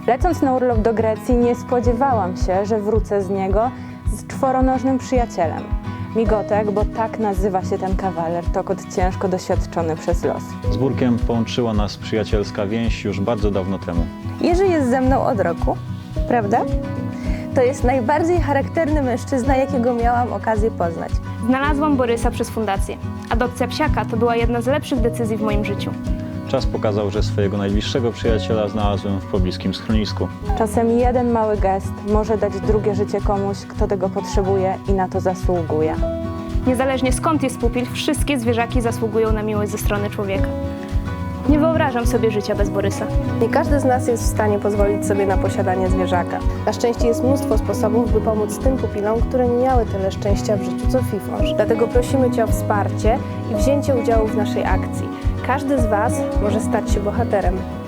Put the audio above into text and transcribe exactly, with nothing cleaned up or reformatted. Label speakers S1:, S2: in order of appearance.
S1: Lecąc na urlop do Grecji, nie spodziewałam się, że wrócę z niego z czworonożnym przyjacielem. Migotek, bo tak nazywa się ten kawaler, to kot ciężko doświadczony przez los.
S2: Z Burkiem połączyła nas przyjacielska więź już bardzo dawno temu.
S3: Jerzy jest ze mną od roku, prawda? To jest najbardziej charakterny mężczyzna, jakiego miałam okazję poznać.
S4: Znalazłam Borysa przez fundację. Adopcja psiaka to była jedna z lepszych decyzji w moim życiu.
S2: Czas pokazał, że swojego najbliższego przyjaciela znalazłem w pobliskim schronisku.
S1: Czasem jeden mały gest może dać drugie życie komuś, kto tego potrzebuje i na to zasługuje.
S4: Niezależnie skąd jest pupil, wszystkie zwierzaki zasługują na miłość ze strony człowieka. Nie wyobrażam sobie życia bez Borysa.
S3: Nie każdy z nas jest w stanie pozwolić sobie na posiadanie zwierzaka. Na szczęście jest mnóstwo sposobów, by pomóc tym pupilom, które nie miały tyle szczęścia w życiu co Fifosz. Dlatego prosimy Cię o wsparcie i wzięcie udziału w naszej akcji. Każdy z Was może stać się bohaterem.